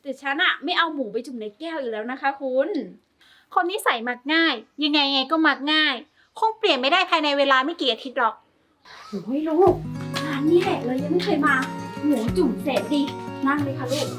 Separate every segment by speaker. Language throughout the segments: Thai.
Speaker 1: แต่ฉันอะไม่เอาหมูไปจุ่มในแก้วอีกแล้วนะคะคุณ
Speaker 2: คนนิสัยมักง่าย ยังไงไงก็มักง่าย คงเปลี่ยนไม่ได้ภายในเวลาไม่กี่อาทิตย์หรอก
Speaker 1: โอ้ยลูกร้านนี้แหละเรายังไม่เคยมา หมูจุ่มแสนดี นั่งเลยค่ะลูก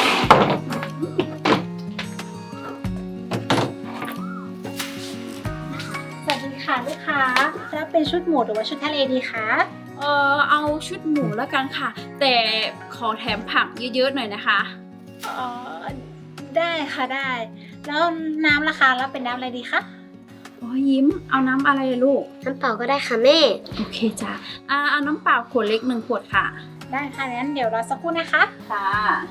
Speaker 2: สวัสดีค่ะลูกค้ารับเป็นชุดหมูหรือว่าชุดทะเลดีคะ
Speaker 1: เอาชุดหมูแล้วกันค่ะ แต่ขอแถมผักเยอะๆหน่อยนะคะ
Speaker 2: ได้ค่ะได้ แล้วน้ำราคารับเป็นน้ำอะไรดีคะ
Speaker 1: โอ้ยยิ้ม เอาน้ำอะไรลูก
Speaker 3: น้ำเปล่าก็ได้ค่ะแม่
Speaker 1: โอเคจ้ะเอาน้ำเปล่าขวดเล็ก1 ขวดค่ะ
Speaker 2: ได้ค่ะงั้นเดี๋ยวรอสักครู่นะคะ
Speaker 1: ค่ะ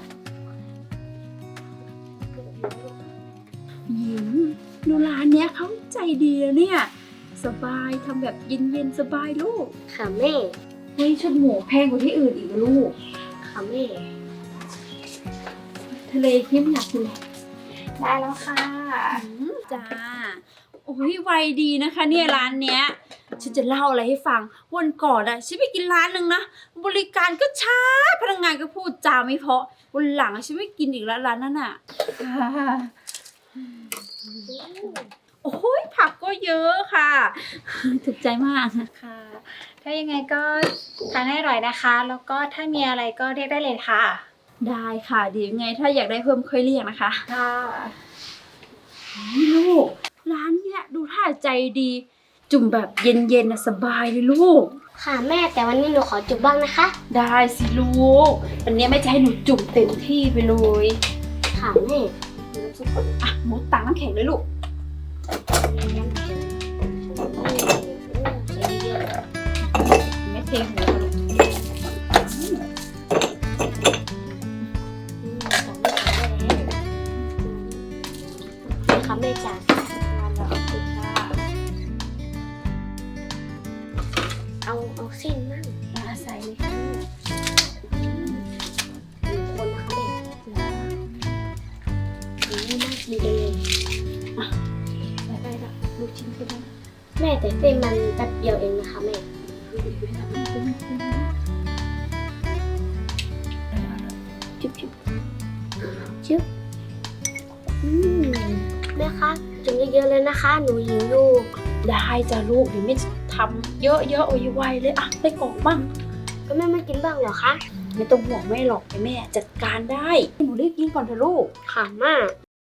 Speaker 1: ยิ้มดูร้านเนี้ยเขาใจดีแล้วเนี่ย สบายทำแบบเย็นๆสบายลูก
Speaker 3: ค่ะแม่
Speaker 1: เฮ้ยชุดหมูแพงกว่าที่อื่นอีกนะลูก
Speaker 3: ค่ะแม่
Speaker 1: ทะเลยิ้มอยากกินเลย
Speaker 2: ได้แล้วค่ะ
Speaker 1: จ้า โอ้ยไวดีนะคะเนี่ยร้านเนี้ย ฉันจะเล่าอะไรให้ฟัง วันก่อนอะฉันไปกินร้านหนึ่งนะ บริการก็ช้า พนักงานก็พูดจาไม่เพราะ วันหลังอะฉันไม่กินอีกแล้วร้านนั้นอะโอ้ยผักก็เยอะค่ะ ถูกใจมาก
Speaker 2: ค่ะ ถ้ายังไงก็ทานให้อร่อยนะคะ แล้วก็ถ้ามีอะไรก็เรียกได้เลยค่ะ
Speaker 1: ได้ค่ะเดี๋ยวยังไงถ้าอยากได้เพิ่มค่อยเรียกนะคะ
Speaker 2: ค่ะ
Speaker 1: ลูกร้านเนี้ยดูท่าใจดี จุ่มแบบเย็นๆนะสบายเลยลูก
Speaker 3: ค่ะแม่แต่วันนี้หนูขอจุบบ้างนะคะ
Speaker 1: ได้สิลูกวันนี้แม่จะให้หนูจุ่มเต็มที่ไปเลย
Speaker 3: ค่ะแม่
Speaker 1: อ่ะหมูตังน้ำแข็งเลยลูกไม่เทหัวลูก
Speaker 3: ค่ะแม่จ๋า เอาเส้นมั่ง
Speaker 1: ใส่เลยค่ะ
Speaker 3: 1 คนนะคะแม่น่ากินเลย
Speaker 1: ใส่ไปละลูกชิ้นก็ได้
Speaker 3: แม่แต่เส้นมันแป๊บเดียวเองนะคะแม่จุ๊บจุ๊บจุ๊บแม่คะจุ่มเยอะๆเลยนะคะ หนูหิวอยู่
Speaker 1: ได้จ้ะลูกเดี๋ยวแม่จะทำเยอะๆโอ้ยไวเลยอ่ะได้กล่องบ้าง
Speaker 3: ก็แม่ไม่กินบ้างเหรอคะ
Speaker 1: ไม่ต้องห่วงแม่หรอกเดี๋ยวแม่จัดการได้หนูรีบกินก่อนเถอะลูก
Speaker 3: ค่ะมาก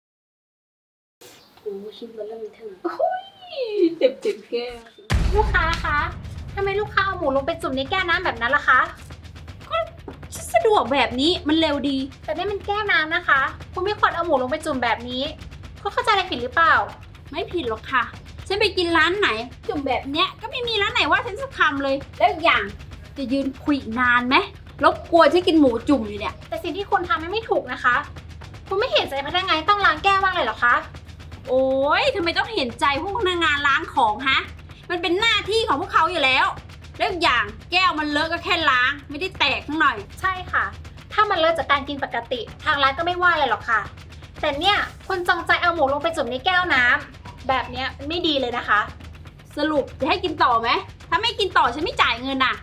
Speaker 3: โอ้ชิ้นเบอร์เริ่มเทิง
Speaker 1: เต็มแก้ว
Speaker 2: ลูกค้าคะทำไมลูกค้าเอาหมูลงไปจุ่มในแก้วน้ำแบบนั้นล่ะคะ
Speaker 1: สะดวกแบบนี้มันเร็วดี
Speaker 2: แต่นี่มันแก้วน้ำนะคะ คุณไม่ควรเอาหมูลงไปจุ่มแบบนี้คุณเข้าใจอะไรผิดหรือเปล่า
Speaker 1: ไม่ผิดหรอกค่ะ ฉันไปกินร้านไหน จุ่มแบบเนี้ยก็ไม่มีร้านไหนว่าฉันสักคำเลย แล้วอีกอย่างจะยืนคุยอีกนานไหมรบกวนที่กินหมูจุ่มอยู่เนี่ย
Speaker 2: แต่สิ่งที่คุณทำมันไม่ถูกนะคะ คุณไม่เห็นใจพนักงานต้องล้างแก้วบ้างเลยเหรอคะ
Speaker 1: โอ๊ยทำไมต้องเห็นใจพวกพนักงานร้านของฮะ มันเป็นหน้าที่ของพวกเขาอยู่แล้ว แล้วอีกอย่างแก้วมันเลอะก็แค่ล้าง ไม่ได้แตกทั้งหน่อย
Speaker 2: ใช่ค่ะ ถ้ามันเลิกจากการกินปกติ ทางร้านก็ไม่ว่าอะไรหรอกค่ะ แต่เนี่ยคุณจงใจเอาหมูลงไปจุ่มในแก้วน้ำแบบเนี้ยมันไม่ดีเลยนะคะ
Speaker 1: สรุปจะให้กินต่อไหม ถ้าไม่กินต่อฉันไม่จ่ายเงินน่ะ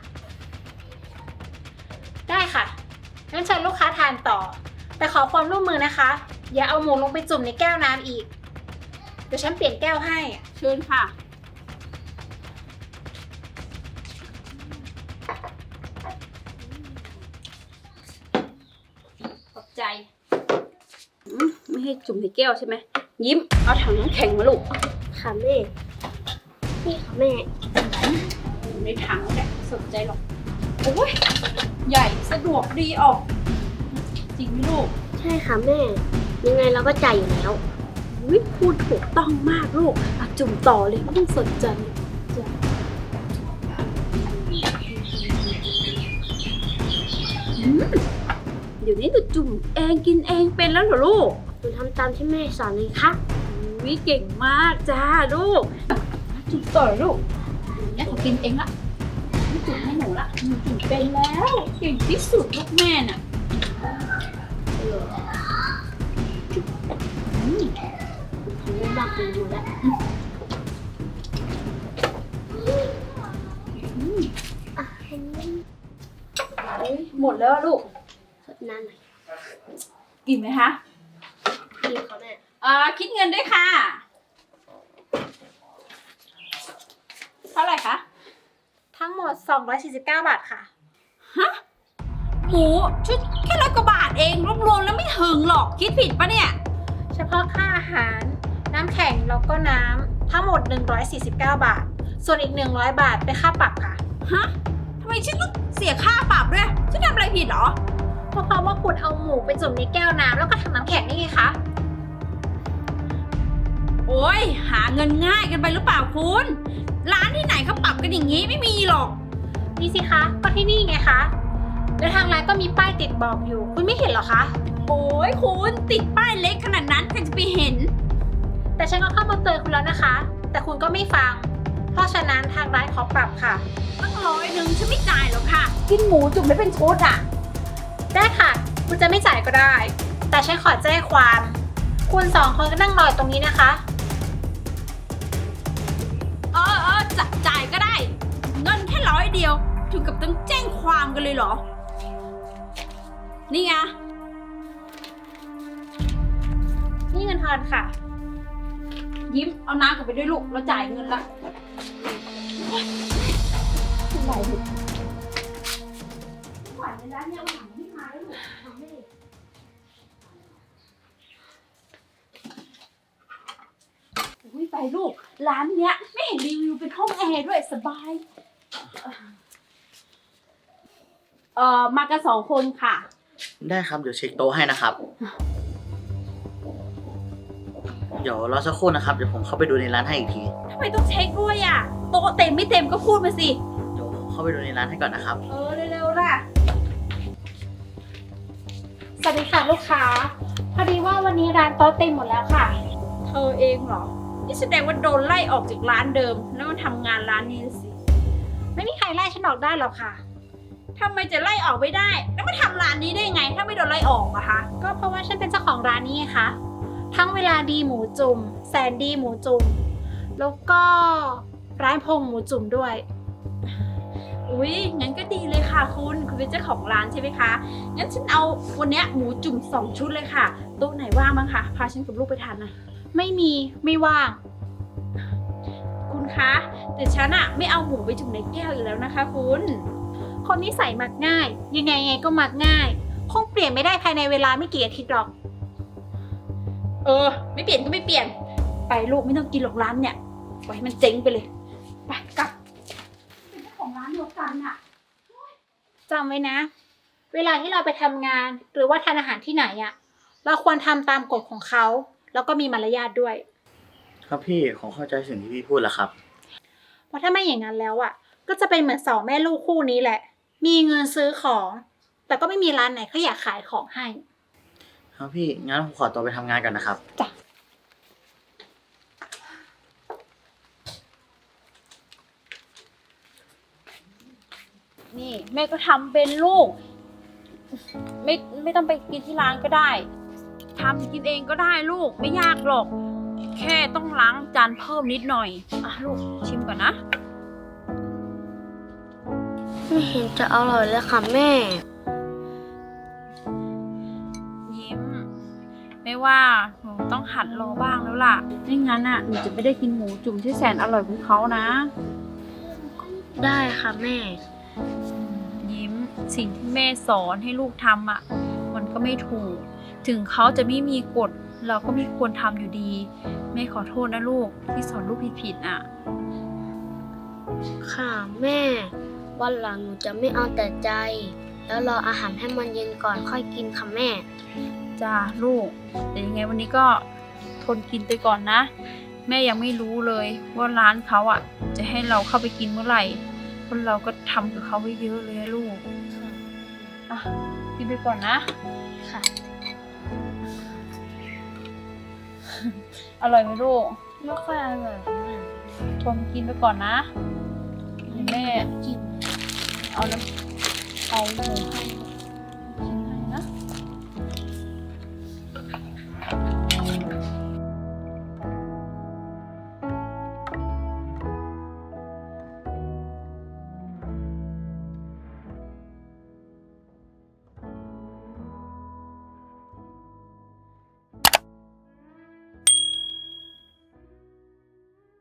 Speaker 2: ได้ค่ะงั้นเชิญลูกค้าทานต่อ แต่ขอความร่วมมือนะคะ อย่าเอาหมูลงไปจุ่มในแก้วน้ำอีก เดี๋ยวฉันเปลี่ยนแก้วให้
Speaker 1: เชิญค่ะ ขอบใจไม่ให้จุ่มในแก้วใช่ไหม ยิ้ม เอาถังน้ำแข็งมาลูก
Speaker 3: ค่ะแม่ นี่ค่ะแม่
Speaker 1: ในถังแหละสนใจหรอก โอ้ย ใหญ่สะดวกดีออก จริงไหมลูก
Speaker 3: ใช่ค่ะแม่ ยังไงเราก็จ่ายอยู่แล้ว
Speaker 1: อุ๊ยพูดถูกต้องมากลูกอ่ะจุ่มต่อเลยไม่ต้องสนใจจ้ะเดี๋ยวนี้หนูจุ่มเองกินเองเป็นแล้วเหรอลูก
Speaker 3: หนูทำตามที่แม่สอนเลยค่ะ
Speaker 1: วิเก่งมากจ้าลูกจุ่มต่อลูกเนี่ยเขากินเองละไม่จุ่มให้หนูละหนูจุ่มเป็นแล้วเก่งที่สุดลูกแม่น่ะ
Speaker 3: ผมไม่บอกคุณดูแล้วอ่ะให้นี่
Speaker 1: หมดแล้วลูก
Speaker 3: สดน้ำหน่อย
Speaker 1: กินไหมคะ
Speaker 3: กินค่ะแม่
Speaker 1: คิดเงินด้วยค่ะ เท่าไหร่คะ
Speaker 2: ทั้งหมด 249 บาทค่ะ
Speaker 1: ฮะหมูชุดแค่100 กว่าบาทเองรวมๆแล้วไม่ถึงหรอกคิดผิดปะเนี่ย
Speaker 2: เฉพาะค่าอาหาร น้ำแข็งแล้วก็น้ำทั้งหมด 149 บาท ส่วนอีก 100 บาทเป็นค่าปรับค่ะ
Speaker 1: ฮะทำไมฉันต้องเสียค่าปรับด้วยฉันทำอะไรผิดเหรอ
Speaker 2: ก็เพราะว่าคุณเอาหมูไปจุ่มในแก้วน้ำแล้วก็ทำน้ำแข็งนี่ไงคะ
Speaker 1: โอ้ยหาเงินง่ายกันไปหรือเปล่าคุณ ร้านที่ไหนเขาปรับกันอย่างนี้ไม่มีหรอก
Speaker 2: นี่สิคะก็ที่นี่ไงคะแล้วทางร้านก็มีป้ายติดบอกอยู่ คุณไม่เห็นเหรอคะ
Speaker 1: โอ้ยคุณติดป้ายเล็กขนาดนั้นใครจะไปเห็น
Speaker 2: แต่ฉันก็เข้ามาเตือนคุณแล้วนะคะ แต่คุณก็ไม่ฟัง เพราะฉะนั้นทางร้านขอปรับค่ะ
Speaker 1: ตั้ง100ฉันไม่จ่ายหรอกค่ะ กินหมูจุ่มไม่เป็นชุดอ่ะ
Speaker 2: ได้ค่ะ คุณจะไม่จ่ายก็ได้ แต่ฉันขอแจ้งความ คุณ2 คนก็นั่งรออยู่ตรงนี้นะคะ
Speaker 1: จ่ายก็ได้ เงินแค่100เดียวถึงกับต้องแจ้งความกันเลยเหรอ นี่ไง
Speaker 2: นี่เงินทอนค่ะ
Speaker 1: ยิ้มเอาน้ำกลับไปด้วยลูกเราจ่ายเงินละไหวลูกไหวในร้านเนี่ยวันหลังไม่มาแล้วลูกทำไม่ได้อุ้ยไปลูกร้านเนี้ยไม่เห็นรีวิวเป็นห้องแอร์ด้วยสบายมากัน2 คนค่ะ
Speaker 4: ได้ครับเดี๋ยวเช็คโต๊ะให้นะครับ เดี๋ยวรอสักครู่นะครับเดี๋ยวผมเข้าไปดูในร้านให้อีกที
Speaker 1: ทำไมต้องเช็คด้วยอ่ะโต๊ะเต็มไม่เต็มก็พูดมาสิ
Speaker 4: เดี๋ยวผมเข้าไปดูในร้านให้ก่อนนะครับ
Speaker 1: เร็วๆล่ะ
Speaker 2: สวัสดีค่ะลูกค้า พอดีว่าวันนี้ร้านโต๊ะเต็มหมดแล้วค่ะ
Speaker 1: เธอเองเหรอ นี่แสดงว่าโดนไล่ออกจากร้านเดิม แล้วมาทำงานร้านนี้สิ
Speaker 2: ไม่มีใครไล่ฉันออกได้หรอกค่ะ
Speaker 1: ทำไมจะไล่ออกไม่ได้ แล้วมาทำร้านนี้ได้ไง ถ้าไม่โดนไล่ออกอะคะ
Speaker 2: ก็เพราะว่าฉันเป็นเจ้าของร้านนี้ไงคะ ทั้งเวลาดีหมูจุ่ม แสนดีหมูจุ่ม แล้วก็ร้านพงหมูจุ่มด้วย
Speaker 1: อุ๊ย งั้นก็ดีเลยค่ะคุณเป็นเจ้าของร้านใช่ไหมคะ งั้นฉันเอาวันเนี้ยหมูจุ่ม2 ชุดเลยค่ะโต๊ะไหนว่างบ้างคะ พาฉันกับลูกไปทานหน่อย
Speaker 2: ไม่มีไม่ว่าง
Speaker 1: คุณคะแต่ฉันอะไม่เอาหมูไปจุ่มในแก้วอยู่แล้วนะคะ คุณ
Speaker 2: คนนิสัยมักง่าย ยังไงไงก็มักง่าย คงเปลี่ยนไม่ได้ภายในเวลาไม่กี่อาทิตย์หรอก
Speaker 1: ไม่เปลี่ยนก็ไม่เปลี่ยน ไปลูกไม่ต้องกินหรอกร้านเนี่ยปล่อยให้มันเจ๊งไปเลย ไปกลับ เป็นเจ้าของร้านเดียวกันอะ
Speaker 2: จำไว้นะ เวลาที่เราไปทำงาน หรือว่าทานอาหารที่ไหนอะเราควรทำตามกฎของเขา แล้วก็มีมารยาทด้วย
Speaker 4: ครับพี่ผมเข้าใจสิ่งที่พี่พูดแล้วครับ
Speaker 2: เพราะถ้าไม่อย่างนั้นแล้วอะก็จะเป็นเหมือน2 แม่ลูกคู่นี้แหละ มีเงินซื้อของ แต่ก็ไม่มีร้านไหนเขาอยากขายของให้
Speaker 4: ครับพี่งั้นผมขอตัวไปทำงานก่อนนะครับ
Speaker 2: จ้ะ
Speaker 1: นี่แม่ก็ทำเป็นลูก ไม่ต้องไปกินที่ร้านก็ได้ทำกินเองก็ได้ลูกไม่ยากหรอก แค่ต้องล้างจานเพิ่มนิดหน่อยอ่ะลูกชิมก่อนนะ
Speaker 3: ไม่เห็นจะอร่อยเลยค่ะแม่
Speaker 1: ยิ้มไม่ว่าหนูต้องหัดรอบ้างแล้วล่ะไม่งั้นอ่ะหนูจะไม่ได้กินหมูจุ่มที่แสนอร่อยของเขานะ
Speaker 3: ได้ค่ะแม่
Speaker 1: ยิ้มสิ่งที่แม่สอนให้ลูกทำอ่ะมันก็ไม่ถูก ถึงเขาจะไม่มีกฎเราก็ไม่ควรทำอยู่ดีแม่ขอโทษนะลูกที่สอนลูกผิดๆอ่ะ
Speaker 3: ค่ะแม่ วันหลังหนูจะไม่เอาแต่ใจ แล้วรออาหารให้มันเย็นก่อนค่อยกินค่ะแม่
Speaker 1: จ้าลูกแต่ยังไงวันนี้ก็ทนกินไปก่อนนะ แม่ยังไม่รู้เลยว่าร้านเขาอ่ะจะให้เราเข้าไปกินเมื่อไหร่เพราะเราก็ทำกับเขาไว้เยอะเลยอะลูกอ่ะกินไปก่อนนะ
Speaker 3: ค่ะ
Speaker 1: อร่อยไหมลูก
Speaker 3: ไม่ค่อยอร่อยค่ะแม่
Speaker 1: ทนกินไปก่อนนะเดี๋ยวแม่
Speaker 3: กิน
Speaker 1: เอาหมูให้